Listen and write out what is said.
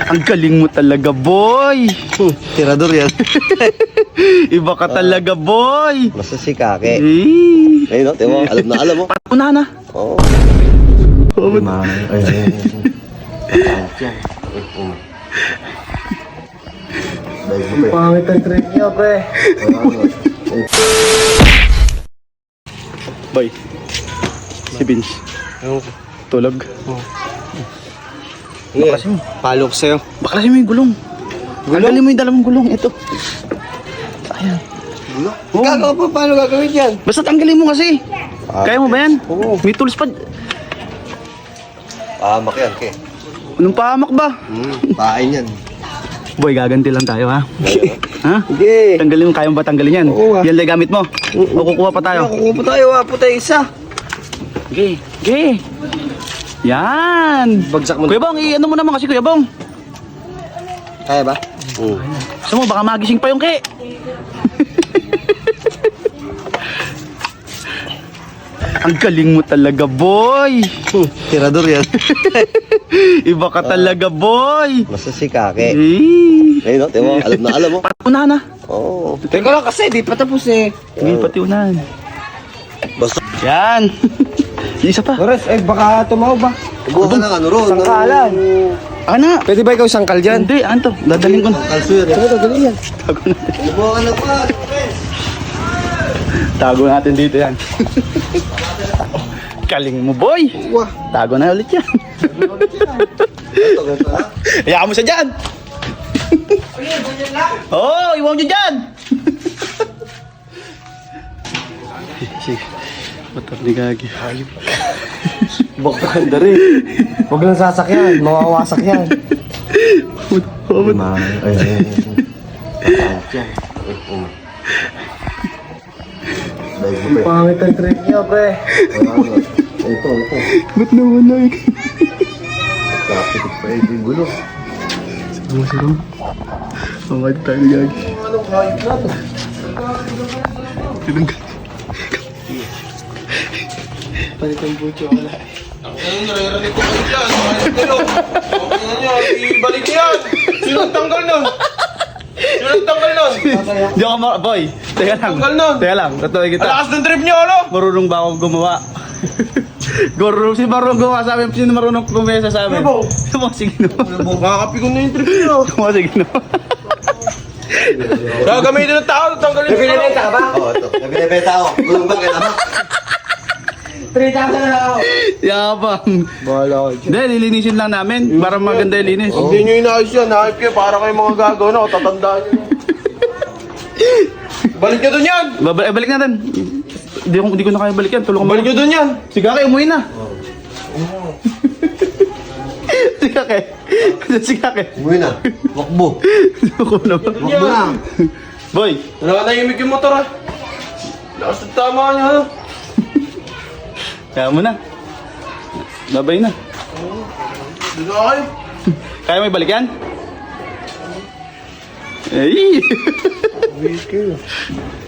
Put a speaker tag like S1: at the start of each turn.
S1: Ang galing mo talaga, boy.
S2: Tirador yan.
S1: Iba ka talaga, boy.
S2: Basta si Kake.
S1: Eh.
S2: Ayun, no? Tiyo, alam mo.
S1: Unahan na.
S2: Oo.
S1: Oh,
S2: Ay.
S3: Pangit ang trip niya, pre.
S1: boy. Si Vince. Tulog.
S2: Baklasin mo. Palok sa'yo.
S1: Baklasin mo yung gulong. Tanggalin mo yung dalawang gulong. Ito. Ayan.
S2: Gulo? Gagawa pa, paano gagawin yan?
S1: Basta tanggalin mo kasi. Kaya mo ba yan?
S2: Oo.
S1: May tools pa.
S2: Pahamak yan, Ke.
S1: Anong pahamak ba?
S2: Pahain yan.
S1: Boy, gaganti lang tayo, ha? Ha?
S2: Sige.
S1: Tanggalin mo, kaya mo ba tanggalin yan?
S2: Oo,
S1: Yan lang gamit mo. O kukuha pa tayo.
S2: Kukuha pa tayo, puta isa.
S1: Okay, okay. Yan.
S2: Bagsak mo.
S1: Kuya Bong, i-ano mo naman kasi Kuya Bong.
S2: Kaya ba?
S1: Gusto mo, baka magising pa yung Ke. Ang galing mo talaga, boy.
S2: Tirador yan.
S1: Iba ka talaga, boy.
S2: Basta si Kake.
S1: Eh.
S2: Ayun, no? Tiyo, alam mo.
S1: Unahan na.
S2: Oo. Teka lang kasi, di pa tapos eh.
S1: Hindi pati unahan.
S2: Basta.
S1: Yan. Isa pa.
S3: Ores, baka tumaw ba?
S2: Buka ka ng ano ron.
S3: Sangkalan.
S1: Ana.
S3: Pwede ba ikaw sangkal dyan?
S1: Hindi, anto. Dadaling ko na.
S2: Kalso yan.
S3: Ano gagawin yan?
S2: Buka ka na pa.
S1: Tago natin dito yan. Galing mo, boy.
S2: Wah.
S1: Tago na ulit yan.
S2: Ganito ha.
S1: Hayaan mo siya dyan. Oo, iwan nyo dyan. Sige. Motor ni Gagi.
S3: Baka handa rin. Huwag lang sasakyan, mawawasak yan.
S2: Ay.
S3: Pangit ang trip niya, pre.
S2: Ito.
S1: Ba't naman na
S2: Kapit pa yung gulo.
S1: Masarap. Mamad tayo ni Gagi.
S3: Anong kahit na to?
S1: Tinanggal.
S3: Palit ang butyo, wala.
S4: Ang nare-ready ko kayo dyan, mga nagdalo. Okay nyo, ibalik yan. Sino nagtanggal nun? Sino nagtanggal nun?
S1: Di ako boy. Teka lang.
S4: Tanggal nun.
S1: Teka lang. Tatuloy kita.
S4: Alakas ng trip nyo, ano?
S1: Marunong ba ako gumawa? Si marunong gumawa sa amin. Sino marunong kumesa sa amin?
S4: Ibo.
S1: Sige no.
S4: Makakapikon na yung trip nyo.
S1: Sige no.
S4: Gagamitin ng tao, tanggalin nyo.
S3: Nabinibenta ka ba?
S2: Oo, ito. Nabinibenta ako. Gulong ba kailangan?
S3: 3,000 na ako.
S1: Yabang.
S3: Bahala ko.
S1: Hindi, lilinisin lang namin. Para maganda yung linis.
S4: Hindi nyo inaayos yan, naayos kayo para kayo mga gagaw na, tatandaan nyo. Balik nyo dun yan!
S1: Balik natin. Hindi ko na kaya balikan. Tulong ko
S4: Balik nyo dun yan!
S1: Si Kake, umuwi na. Si Kake. Si Kake.
S2: Umuwi na. Wakbo.
S1: Ako na ba?
S2: Wakbo na.
S1: Boy.
S4: Nanahimik yung motor ha. Lakas ng tama nyo ha.
S1: Kaya mo na. Babay na.
S4: Doon na kayo.
S1: Kaya may balik yan? Eh.